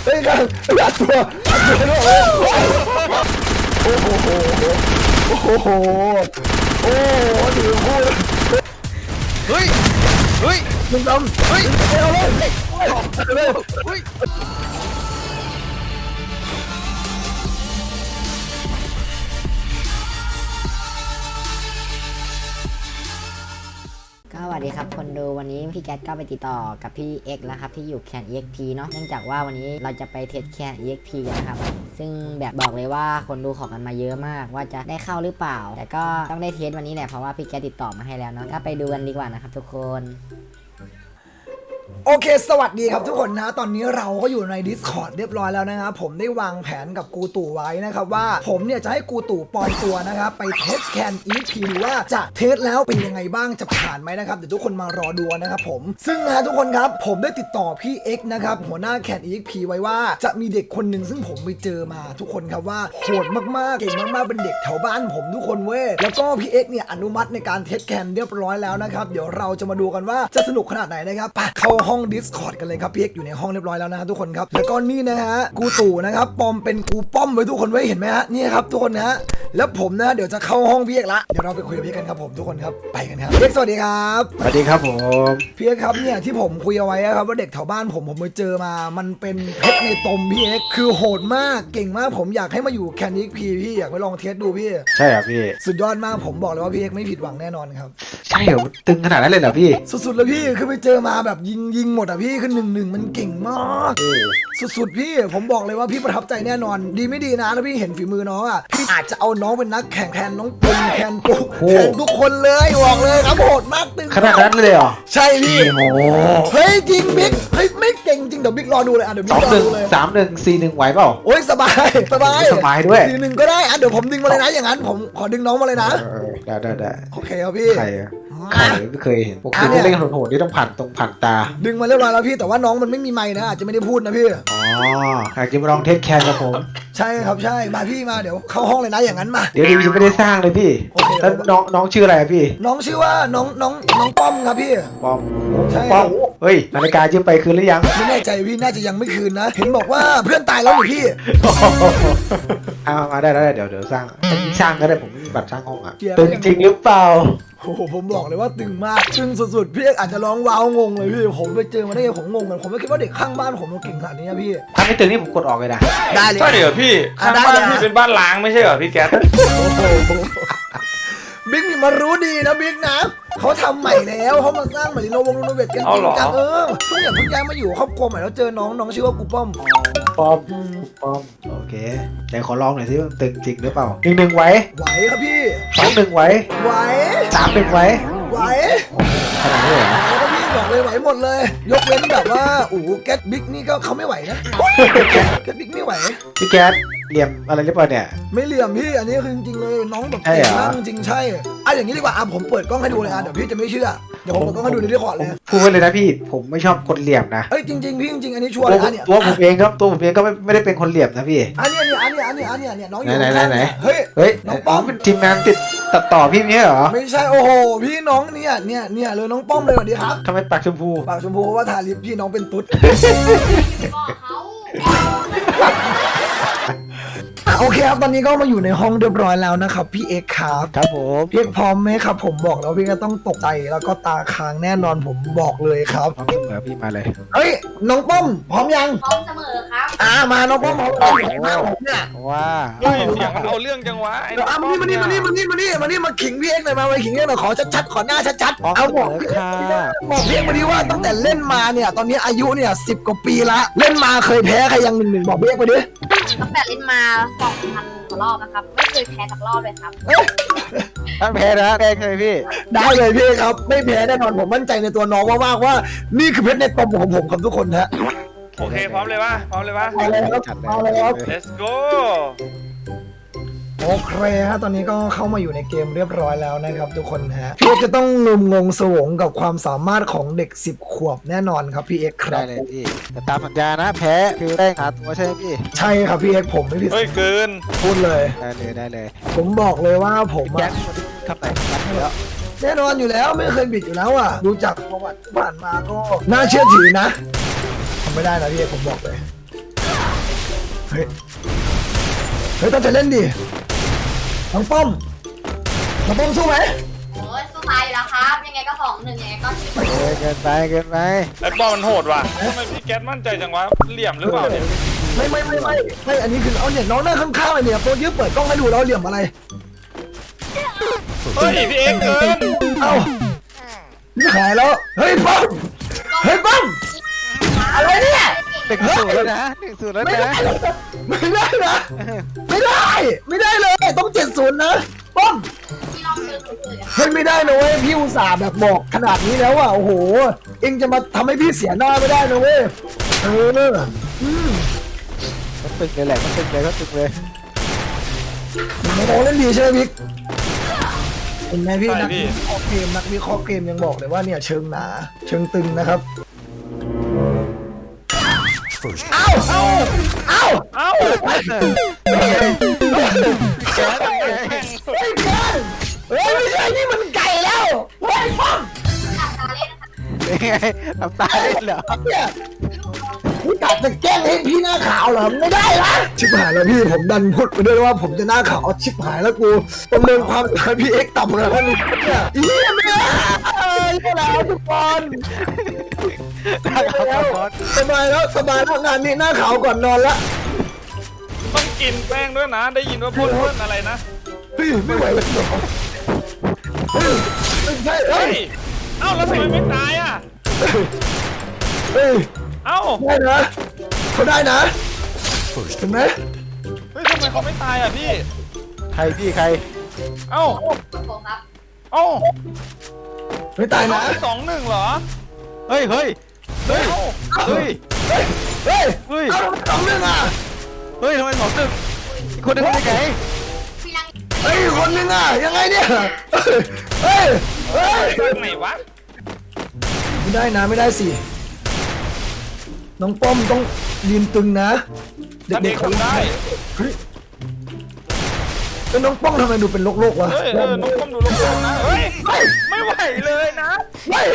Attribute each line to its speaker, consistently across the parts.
Speaker 1: เฮ้ยกันอัดตัวโอ้โหโอ้โหโอ้โหถือพูด
Speaker 2: เฮ้ย
Speaker 1: มึงทำเฮ้ยเอาเลย
Speaker 2: เฮ้ย
Speaker 3: สวัสดีครับคนดูวันนี้พี่แก๊สก็ไปติดต่อกับพี่เอ็กแล้วครับที่อยู่แคน EXP เนาะเนื่องจากว่าวันนี้เราจะไปเทสแคน EXP กันนะครับซึ่งแบบบอกเลยว่าคนดูขอกันมาเยอะมากว่าจะได้เข้าหรือเปล่าแต่ก็ต้องได้เทสวันนี้แหละเพราะว่าพี่แก๊สติดต่อมาให้แล้วเนาะก็ไปดูกันดีกว่านะครับทุกคน
Speaker 1: โอเคสวัสดีครับทุกคนนะตอนนี้เราก็อยู่ใน Discord เรียบร้อยแล้วนะครับผมได้วางแผนกับกูตู่ไว้นะครับว่าผมเนี่ยจะให้กูตู่ปลอมตัวนะครับไปเทสแคน EXP หรือว่าจะเทสแล้วเป็นยังไงบ้างจะผ่านไหมนะครับเดี๋ยวทุกคนมารอดูนะครับผมซึ่งนะทุกคนครับผมได้ติดต่อพี่ X นะครับหัวหน้าแคน EXP ไว้ว่าจะมีเด็กคนหนึ่งซึ่งผมไปเจอมาทุกคนครับว่าโหดมากๆเก่งมากๆเป็นเด็กแถวบ้านผมทุกคนเว้ยแล้วก็พี่ X เนี่ยอนุมัติในการเทสแคนเรียบร้อยแล้วนะครับเดี๋ยวเราจะมาดูกันว่าจะสนุกขนาดไหนนะครับไปเข้าห้อง Discord กันเลยครับพี่เอ็กอยู่ในห้องเรียบร้อยแล้วนะฮะทุกคนครับแล้วก็นี่นะฮะกูตู่นะครับปอมเป็นกูป้อมไว้ทุกคนไว้เห็นไหมฮะนี่ครับทุกคนนะฮะแล้วผมนะเดี๋ยวจะเข้าห้องพี่เอ็กละเดี๋ยวเราไปคุยกับพี่กันครับผมทุกคนครับไปกันครับพี่เอ็กสวัสดีครับ
Speaker 2: สวัสดีครับผม
Speaker 1: พี่เอ็กครับเนี่ยที่ผมคุยเอาไว้ครับว่าเด็กแถวบ้านผมไปเจอมามันเป็นเพชรในตมพี่เอ็กคือโหดมากเก่งมากผมอยากให้มาอยู่แคนนิกพีพี่อยากไปลองเทสดูพี่
Speaker 2: ใช่ครับพี่
Speaker 1: สุดยอดมากผมบอกเลยว่าพี่เอ็กไม่ผิดหวังแน่นอนครับ
Speaker 2: ใช่เหรอตึงขนาดนั้นเลยเหรอพี่
Speaker 1: สุดๆเลยพี่คือไปเจอมาแบบยิงหมดอ่ะพี่คือ1-1มันเก่งมากสุดๆพี่ผมบอกเลยว่าพี่ประทับใจแน่นอนดีไม่ดีนะถ้าพี่เห็นฝีมือน้องอ่ะพี่อาจจะเอาน้องเป็นนักแข่งแทนน้องปุงแทนปุ๊กแทนทุกคนเลยบอกเลยครับโหดมากตึง
Speaker 2: ขนาดนั้นเลยเหรอ
Speaker 1: ใช่พี่
Speaker 2: โอ้
Speaker 1: เฮ้ยจริงบิ๊กเฮ้ยไม่เก่งจริงเดี๋ยวบิ๊กรอดูเลยอ่ะเดี๋ยวบิ๊กรอดูเลย
Speaker 2: 2-1 3-1 4-1ไหวเปล่า
Speaker 1: โอ้ยสบาย
Speaker 2: ด้วย
Speaker 1: 4-1ก็ได้อ่ะเดี๋ยวผมดึงมาเลยนะอย่างนั้นผมขอดึงน้องมาเลยนะ
Speaker 2: ได้
Speaker 1: โอเคครับพี่
Speaker 2: ใครไม่เคยเห็นปกติเล่นโหดๆนี่ต้องผ่านตา
Speaker 1: ดึงมาเรียบร้อยแล้วพี่แต่ว่าน้องมันไม่มีไมค์นะอาจจะไม่ได้พูดนะพี่
Speaker 2: อ๋ออยากจะมาลองเทสแคนกับผม
Speaker 1: ใช่ครับใช่มาพี่มาเดี๋ยวเข้าห้องเลยนะอย่างนั้นมา
Speaker 2: เดี๋ยวยังไม่ได้สร้างเลยพี่แล้วน้องชื่ออะไรพี่
Speaker 1: น้องชื่อว่าน้องป้อมครับพี่
Speaker 2: ป้อม
Speaker 1: ใช่
Speaker 2: ป้อมเฮ้ยนาฬิกายืมไปคืนหรือยัง
Speaker 1: ไม่แน่ใจพี่น่าจะยังไม่คืนนะเห็นบอกว่าเพื่อนตายแล้วหรือพี่
Speaker 2: มาได้เดี๋ยวสร้างก็ได้ผมมีบัตรสร้างห้องอ่ะตึงจริงหรือเปล่า
Speaker 1: โอ้โหผมบอกเลยว่าตึงมากตึงสุดๆพี่อาจจะร้องว้าวงงเลยพี่ผมไปเจอมาได้ไงผมงงกันผมไม่คิดว่าเด็กข้างบ้านผมมันเก่งขนาดนี้พี่
Speaker 2: ถ้าไม่ตึงนี่ผมกดออกเลยนะ
Speaker 1: ได้เลย
Speaker 4: ใช่เหรอพี่ข้างบ้านพี่เป็นบ้านล้างไม่ใช่เหรอพี่แก๊ส
Speaker 1: บิ๊กนี่มารู้ดีนะบิ๊กนะเขาทำใหม่แล้วเขามาสร้างใหม่รีโนเวทกันจริงจังเพิ่งย้ายมาอยู่ครอบครัวใหม่แล้วเจอน้องชื่อว่ากูป้อม
Speaker 2: โอเคแต่ขอลองหน่อยสิว่าตึงจริงหรือเปล่า1-1ไหว
Speaker 1: ครับพี่
Speaker 2: 2-1ไหว3-1ไหวขนาดนี้เหรอ
Speaker 1: ครับพี่บอกเลยไหวหมดเลยยกเว้นแบบว่าแก๊สบิ๊กนี่ก็เขาไม่ไหวนะแก๊สบิ๊กไม่ไหว
Speaker 2: พี่แก๊สเหลี่ยมอะไรหรือเปล่าเนี่ย
Speaker 1: ไม่เหลี่ยมพี่อันนี้คือจริงๆเลยน้องแบบเก่งมากจริงใช่อย่างนี้ดีกว่าผมเปิดกล้องให้ดูเลยเดี๋ยวพี่จะไม่เชื่อเดี๋ยวผมเปิดกล้องให้ดูในดิสคอร์ดเลย
Speaker 2: พูดไว้เลยนะพี่ผมไม่ชอบคนเหลี่ยมนะ
Speaker 1: จริงพี่จริงอันนี้ชัวร์เลยเนี่ย
Speaker 2: ตัวผมเองก็ไม่ได้เป็นคนเหลี่ยมนะพี่
Speaker 1: อันนี้น้องอยู่
Speaker 2: ไหน
Speaker 1: เฮ้ย
Speaker 2: น้องป้อมเป็นทีมงานตัดต่อพี่เนี่ยเหรอ
Speaker 1: ไม่ใช่โอ้โหพี่น้องเนี่ยเลยน้องป้อมเลยสวัสดีครับ
Speaker 2: ทำไมปากชมพู
Speaker 1: เพราะว่าทาลิปพี่น้องเป็นตุ๊ดโอเคครับตอนนี้ก็มาอยู่ในห้องเรียบร้อยแล้วนะครับพี่เอกครับ
Speaker 2: ผม
Speaker 1: พี่เอกพร้อมไหมครับผมบอกแล้วพี่ก็ต้องตกใจแล้วก็ตาค้างแน่นอนผมบอกเลยครับ
Speaker 2: พร้อมเสมอพี่มาเลย
Speaker 1: เฮ้ยน้องป้อมพร้อมยัง
Speaker 5: พร้อมเสมอครับ
Speaker 1: มาน้องป้อมพร้อมเนี่ย
Speaker 2: ว้า
Speaker 4: เสียงมันเอาเรื่องจังวะ
Speaker 1: มานี่มาขิงพี่เอกหน่อยมาขิงพี่เอกหน่อยขอชัดๆขอหน้าชัดๆ
Speaker 2: เอาบอก
Speaker 1: พี่เอกมาดีว่าตั้งแต่เล่นมาเนี่ยตอนนี้อายุเนี่ย10 กว่าปีละเล่นมาเคยแพ้ใครยัง1-1บอกพี่เอกไปดิ
Speaker 5: ตั้งแต่เล่นมา2,000 กว่ารอบนะครับไม่เคยแพ้สักรอบเลยครับ
Speaker 2: ตั้งแพ้นะแพ้เคยพี่
Speaker 1: ได้เลยพี่ครับไม่แพ้แน่นอนผมมั่นใจในตัวน้องมากๆว่านี่คือเพชรในตมของผมครับทุกคนฮะ
Speaker 4: โอเคพร้อมเลยปะ
Speaker 1: เอาเลยครับ
Speaker 4: let's go
Speaker 1: โอเคฮะตอนนี้ก็เข้ามาอยู่ในเกมเรียบร้อยแล้วนะครับทุกคนฮะพี่เอ็กจะต้องงงสวงกับความสามารถของเด็ก10 ขวบแน่นอนครับพี่เอ็กครับ
Speaker 2: ได้เลยพี่แต่ตามสัญญานะแพ้คือได้หาตัวใช่ไหมพี่
Speaker 1: ใช่ครับพี่เอ็กผมไม่ผิด
Speaker 4: เฮ้ยเกิน
Speaker 1: พูดเลย
Speaker 2: ได้เลย
Speaker 1: ผมบอกเลยว่าผม
Speaker 2: แจ็คทำไหนแล้ว
Speaker 1: แน่นอนอยู่แล้วไม่เคยบิดอยู่แล้วดูจากประวัติผ่านมาก็น่าเชื่อถือนะทำไม่ได้นะพี่เอ็กผมบอกเลยเฮ้ยต้องจะเล่นดิน้องป้อมสู้ไหม
Speaker 5: โอ้ยสู้ตายอยู่แล้วครับ ยังไงก็2-1ยังไงก็ชิบ
Speaker 2: เกินไป
Speaker 4: ไอ้ป้อมมันโหดว่ะทำไมพี่แก๊สมั่นใจจังวะเหลี่ยมหรือเปล่าเนี่ย
Speaker 1: ไม่อันนี้คือเอาเนี่ยน้องหน้าข้างๆเลยเนี่ยโปรยื้อเปิดกล้องให้ดูแล้วเหลี่ยมอะไร
Speaker 4: เฮ้ยพี่เอ็กซ์เกิน
Speaker 1: เอ้านี่หายแล้วเฮ้ยป้อมอะไรเนี่ย
Speaker 2: 1-0แล้วนะ1-0แล้ว
Speaker 1: ไม่
Speaker 2: นะ
Speaker 1: ได้นะไม่ได้เลยต้อง70นะป้อม
Speaker 5: ที่ลองเชิญคนอื่นอะ
Speaker 1: เฮ้ยไม่ได้นะเว้ยพี่อุตส่าห์แบบบอกขนาดนี้แล้วอ่ะโอ้โหเอ็งจะมาทำให้พี่เสียหน้าไม่ได้นะเว้ย
Speaker 2: ก็ตึกเลยแหละก็ตึกเลย
Speaker 1: น้องเล่นดีใช่ไหมพี่เห็นไหมพี่นักวิเคราะห์เกมยังบอกเลยว่าเนี่ยเชิงหนาเชิงตึงนะครับเอ้า
Speaker 2: แกน
Speaker 1: ไม่ใช่นี่มันไก่แล้วเฮ้ยป้อม
Speaker 5: อัตราเล่นนะคะ
Speaker 2: เป็นไงทำตาเล่นเหรอ
Speaker 1: เนี่ยพี่กะจะแกล้งให้พี่หน้าขาวเหรอไม่ได้ละชิบหายแล้วพี่ผมดันพูดไปด้วยว่าผมจะหน้าขาวชิบหายแล้วกูประเมินความสามารถพี่เอ็กซ์ต่ำเลยนะเนี่ยอีไม่ได้แล้วทุกคน สบายแล้วงานนี้หน้าขาวก่อนนอนละ
Speaker 4: ต้องกินแป้งด้วยนะ ได้ยินว่าพูดเพื่อนอะไรนะ
Speaker 1: เฮ้ยไม่ไหวแล้วเฮ้ยไม่ใช่เฮ้
Speaker 4: เฮ้
Speaker 1: ย
Speaker 4: ยเอ้าแล้วทำไมไม่ตายอ่ะ
Speaker 1: เฮ้ย
Speaker 4: เอ้า
Speaker 1: ได้นะเขาได้นะเห็นไหม
Speaker 4: เฮ้ยทำไมเขาไม่ตายอ่ะพี่
Speaker 2: ใครพี่ใคร
Speaker 4: เอ้า
Speaker 5: ผมครับ
Speaker 4: เอ้า
Speaker 1: ไม่ตายนะ
Speaker 4: 2-1เหรอ
Speaker 2: เฮ้ย
Speaker 4: เอ้า
Speaker 1: เฮ้ย
Speaker 2: เฮ้ย
Speaker 1: เอาสองเรื่องอ่ะ
Speaker 2: เฮ้ยทำไม2-1อีกคนนึงเป็นไง
Speaker 5: พี่ลัง
Speaker 1: เฮ้ยคนนึงอ่ะยังไงเนี่ยเฮ้ย
Speaker 4: จากไหนวะ
Speaker 1: ไม่ได้นะไม่ได้สิน้องป้อมต้องยืนตึงนะเด็กๆเขา
Speaker 4: ทำได้
Speaker 1: เฮ้ยแล้วน้องป้องทำไมดูเป็นโรคๆวะ
Speaker 4: เฮ้ยน้องก้มดูลงๆนะ เฮ้ย ไม่ไหวเลยนะ
Speaker 1: เฮ้ย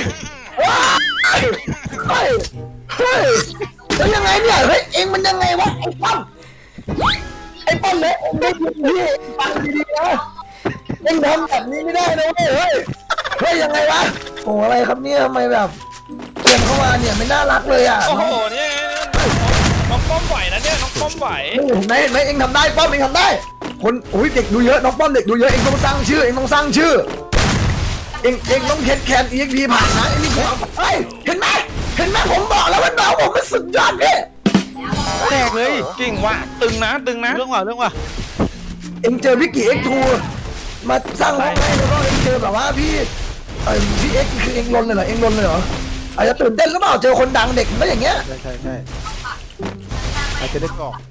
Speaker 1: แล้วยังไงเนี่ยเฮ้ยเอ็งมันยังไงวะไอ้ป้อมเนี่ยเอ็งได้ยินพี่ฟังดีๆนะเอ็งทำแบบนี้ไม่ได้นะเว้ยเฮ้ยยังไงวะโอ้อะไรครับเนี่ยทำไมแบบเกมเข้ามาเนี่ยไม่น่ารักเลยอ่ะ
Speaker 4: โอ้โหเนี่ยน้องป้อมไหวนะเนี่ยน้องป้อมไหว
Speaker 1: เห็นไหมเอ็งทำได้ป้อมเอ็งทำได้คนอุ้ยเด็กดูเยอะน้องป้อมเด็กดูเยอะเอ็งต้องสร้างชื่อเอ็งต้องเอ็งต้องแคนEXPผ่านนะเอ็งนี่คือเฮ้ยเห็นไหมผมบอกแล้วว่าน้องผมมันสุดยอดพี่
Speaker 2: แตกเลย
Speaker 4: จริงว่ะตึงนะ
Speaker 2: เรื่องว่ะ
Speaker 1: เอ็งเจอพี่กี่ X2 มาสร้างห้องให้แล้วก็เอ็งเจอแบบว่าพี่พี่ X คือเอ็งลนเลยเหรออาจจะตื่นเต้นหรือเปล่าเจอคนดังเด็กมันก็อย่างเงี้ย
Speaker 2: ใช่อาจจะได้กรอก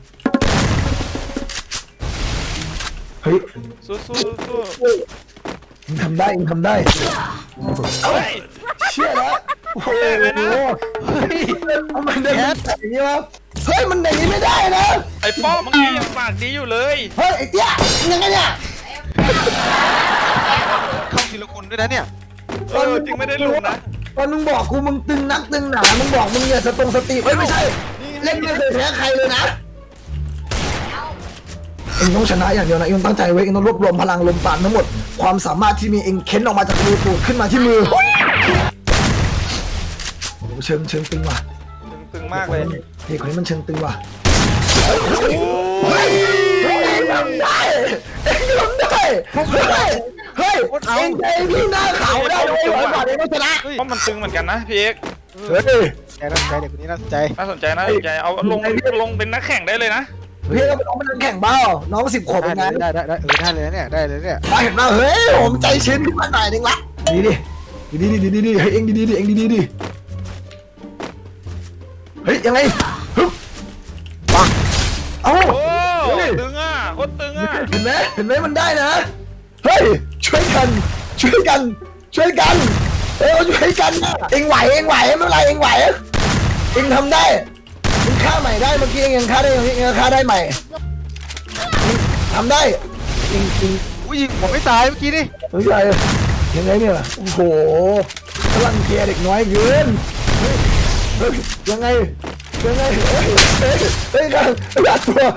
Speaker 1: เฮ้ย
Speaker 4: สู้
Speaker 1: เอ็งทำได้
Speaker 4: เฮ้ย
Speaker 1: เชื่อแล้วโอ้โห ทำไมเดินอย่างนี้วะเฮ้ยมันอย่างนี้ไม่ได้นะ
Speaker 4: ไอ้ป้อมเมื่อกี้ยังปากดีอยู่เลย
Speaker 1: เฮ้ยไอ้เตี้ยยังไงเนี่ย
Speaker 2: เข้าทีละคนด้วยนะเนี่ย
Speaker 4: จริงไม่ได้ลุมนะ
Speaker 1: ตอนมึงบอกกูมึงตึงนักตึงหนามึงบอกมึงเนี่ยสติเฮ้ยไม่ใช่เล่นไม่เคยแพ้ใครเลยนะเอ็งต้องชนะอย่างเดียวนะเอ็งต้องตั้งใจไว้เอ็งต้องรวบรวมพลังลมปราณทั้งหมดความสามารถที่มีเอ็งเค้นออกมาจากมือตูดขึ้นมาที่มือโอ้โหเชิงตึงว่ะ
Speaker 4: ตึงมากเลย
Speaker 1: เด็กคนนี้มันเชิงตึงว่ะเฮ้ยเอ็งทำได้เอ็งใจพี่หน้าขาวได้เลยหลังจากเอ็งต้องชนะ
Speaker 4: เพราะมันตึงเหมือนกันนะพี่เอก
Speaker 1: เฮ้ย
Speaker 2: แกน่าสนใจเด็กคนนี้น่าสนใจ
Speaker 4: น่าสนใจเอาลงเป็นนักแข่งได้เลยนะ
Speaker 1: พี่ก็เป็นน้องเป็นนักแข่งเบ้าน้อง10 ขวบเองนะ
Speaker 2: ได้ได้เลยเนี่ยได้เลยเนี่ย
Speaker 1: เห็นป่ะเฮ้ยผมใจชื้นขึ้นมาหน่อยนึงละดีเฮ้ยเอ็งดีเฮ้ยยังไงฮึบปังเอ้า
Speaker 4: โอ้ตึงอ่ะโคตรตึงอ่ะ
Speaker 1: เห็นไหมมันได้นะเฮ้ยช่วยกันเออช่วยกันนะเอ็งไหวไม่เป็นไรเอ็งไหวเอ็งทำได้เอ็งฆ่าใหม่ได้เมื่อกี้เอ็งฆ่าได้ใหม่ทำได้เอ็ง
Speaker 2: อุ้ยยิงผมไม่ตายเมื่อกี้นี่
Speaker 1: เฮ้ยยังไงเนี่ยโอ้โหพลังเกียร์เด็กน้อยเกินเฮ้ยยังไงยังไงเฮ้ยกันอัดตัว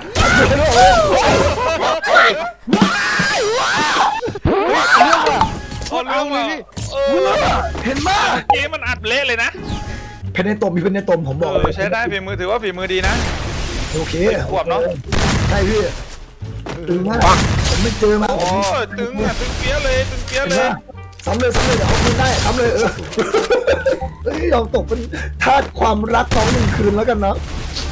Speaker 4: โอ้เรื่องเลย
Speaker 1: เห็นมาก
Speaker 4: เกมมันอัดเละเลยนะ
Speaker 1: เพนในตมมีเพนในตมผมบอก
Speaker 4: ใช้ได้ฝีมือถือว่าฝีมือดีนะ
Speaker 1: โอเค
Speaker 4: ขวบเนาะ
Speaker 1: ใช่พี่ตึงมากผมไม่เจอมา
Speaker 4: โอ้ตึงอ่ะตึงเปี้ยเลยตึงเปี้ยเลย
Speaker 1: ซ้ำเลยเดี๋ยวเอาคืนได้ซ้ำเลยเฮ้ยยอมตกเป็นทาสความรักน้องหนึ่งคืนแล้วกันนะ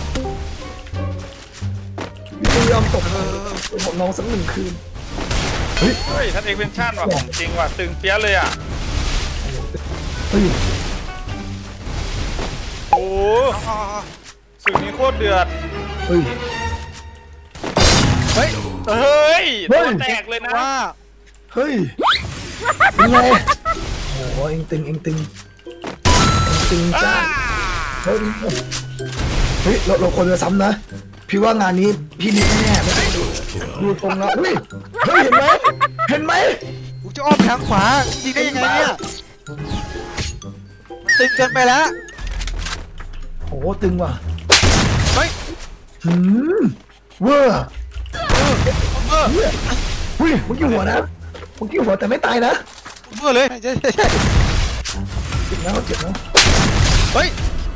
Speaker 1: พี่ยอมตกผมน้องสักหนึ่งคืนเฮ้ย
Speaker 4: เฮ้ยท่านเอกเป็นชาติว่ะของจริงว่ะตึงเปี้ยเลยอ่ะ
Speaker 1: เฮ้ย
Speaker 4: โอ้สึกนี้โคตรเดือด
Speaker 1: เฮ้ย
Speaker 4: เฮ้ยตัวแตกเลยนะ
Speaker 1: เฮ้ยเป็นไงโอ้โหเอ็งตึงจ้าเฮ้ยเราควรจะซ้ำนะพี่ว่างานนี้พี่นิดแน่ๆไม่ต้องดูตรงแล้วเฮ้ยเห็นไหม
Speaker 2: กูจะอ้อมทางขวายิงได้ยังไงเนี่ยตึงเกินไปแล้ว
Speaker 1: โอ้โหตึงว่ะ
Speaker 2: เฮ้ย
Speaker 1: เวอร์เฮ้ยเมื่อกี้หัวนะเมื่อกี้หัวแต่ไม่ตายนะ
Speaker 2: เมื่อเลยใช่
Speaker 1: เจ็บนะ
Speaker 2: เฮ้ย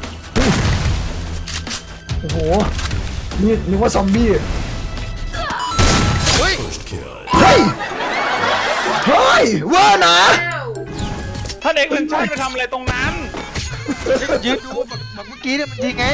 Speaker 1: โอ้โหนี่นึกว่าซอมบี้
Speaker 2: เฮ้ย
Speaker 1: เฮ้ยเวอร์นะ
Speaker 4: ท่านเอกเป็นชาติไปทำอะไรตรงนั้น
Speaker 2: ยืนดูแบบเมื่อกี้เนี่ยมันยิงไง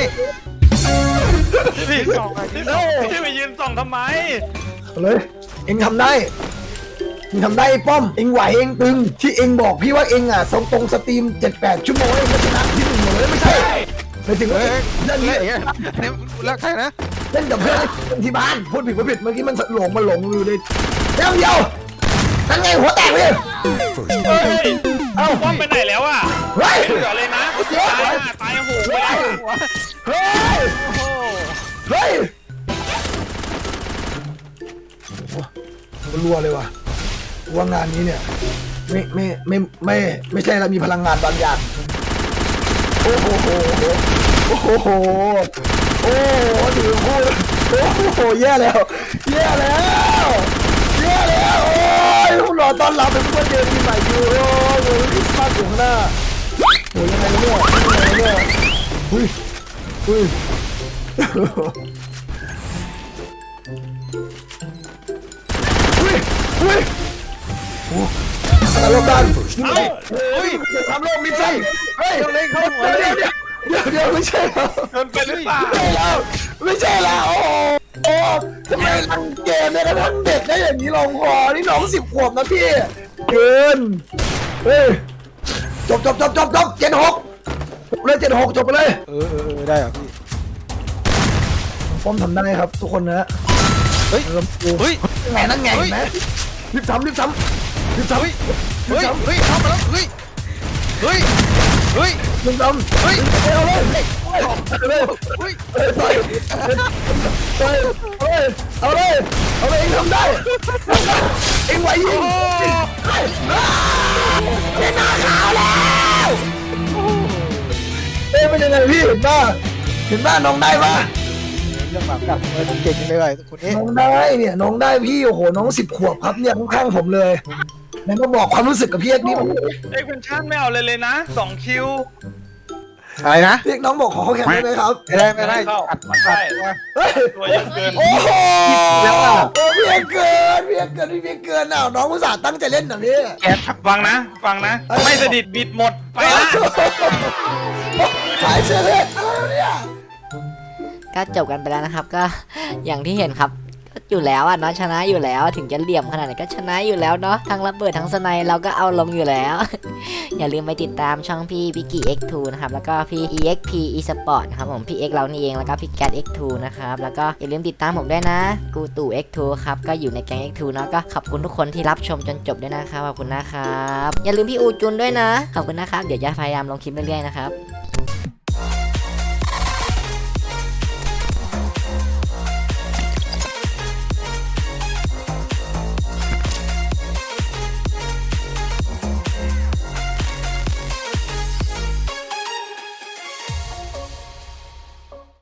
Speaker 4: พี่ไปยืนส่องทำไม
Speaker 1: เอาเลยเอ็งทำได้ไอ้ป้อมเอ็งไหวเอ็งตึงที่เอ็งบอกพี่ว่าเอ็งอ่ะส่งตรงสตรีม 7-8 ชั่วโมงเอ็งก็ชนะที่1หมดเลยไม่ใช่ไปถึงว่าเรื่องนี้
Speaker 2: เนี่ยคุณรักใครนะ
Speaker 1: เล่นกับเพื่อนที่บ้านพูดผิดเมื่อกี้มันหลงอยู่ในเดียวนั่นไงหัวแตกเลย
Speaker 4: เฮ้ย
Speaker 1: เอ้า
Speaker 4: ป้อมไปไหนแล้วอ่ะ
Speaker 1: เฮ้ย
Speaker 4: เหลือเลยนะตายโหงไปแล้ว
Speaker 1: เฮ้ย
Speaker 4: โอ้โห
Speaker 1: เฮ้ยรัวเลยว่ะว่างานนี้เนี่ยไม่ใช่แล้วมีพลังงานบางอย่างโอ้โหถือพูดโอ้โหแย่แล้วโอ้ยคุณรอต้อนรับเป็นผู้เดินปีใหม่อยู่โอ้ยคริสต์มาสอยู่ข้างหน้าโอ้ยยังไงเนี่ยเฮ้ยโอ้อะไรลงกันทำโลกมิใช่เฮ้ยเดี๋ยวไม่ใช่แล้ว
Speaker 4: เกินไปหรือเปล่า
Speaker 1: ไม่ใช่แล้วโอ้ทำไมรังเกมเนี่ยกระทั่งเด็กได้อย่างนี้ลงคอนี่น้อง10 ขวบนะพี่เกินเฮ้ยจบ76เลย76จบไปเลย
Speaker 2: ได้เหรอพี่
Speaker 1: ป้อมทำได้ครับทุกคนนะ
Speaker 2: เฮ้ย
Speaker 1: นั่นไงเห็นไหมรีบซ้ำ
Speaker 2: เฮ้ยทำมาแล้วเฮ้ย
Speaker 1: ยิงซ้ำเอาเลยเองทำได้เองไหวยิงเป็นหน้าขาวแล้วเป็นยังไงพี่เห็นป่ะน้องได้ป่ะ
Speaker 2: เรื่องแบบกับเก่งเลยคนนี้
Speaker 1: น้องได้เนี่ยน้องได้พี่โอ้โหน้อง10 ขวบครับเนี่ยข้างๆผมเลยไหนมาบอกความรู้สึกกับพี่เอ็กนี่
Speaker 4: เอกเป็นชาติไม่เอาเลยนะ2 คิว
Speaker 2: อะไรนะ
Speaker 1: พี่เอ็กน้องบอกขอเขาแข่งได้ไหมครับ
Speaker 2: ไม่ได้
Speaker 4: เข้า
Speaker 2: อัด
Speaker 4: ใช่
Speaker 1: เฮ้ย
Speaker 4: ตัวเยอะเกิน
Speaker 1: โอ้โหพี่เอ็กเกินอ้าวน้องอุตส่าห์ตั้งใจเล่นหน่อยพี่
Speaker 4: ฟังนะไม่สดิดบิดหมดไปละ
Speaker 1: ขายเสื้อเลยเนี่ย
Speaker 3: ก็จบกันไปแล้วนะครับก็อย่างที่เห็นครับก็อยู่แล้วอ่ะเนาะชนะอยู่แล้วถึงจะเหลี่ยมขนาดไหนก็ชนะอยู่แล้วเนาะทั้งระเบิดทั้งสไนเราก็เอาลงอยู่แล้ว อย่าลืมไปติดตามช่องพี่พิกกี้ X2 นะครับแล้วก็พี่ EXP Esport นะครับผมพี่ X เรานี่เองแล้วก็พี่แกด X2 นะครับแล้วก็อย่าลืมติดตามผมด้วยนะกูตู่ X2 ครับก็อยู่ในแก๊ง X2 เนาะก็ขอบคุณทุกคนที่รับชมจนจบด้วยนะครับขอบคุณนะครับอย่าลืมพี่อูจุนด้วยนะขอบคุณนะครับเดี๋ยวจะพยายามลงคลิปเรื่อยๆนะครับ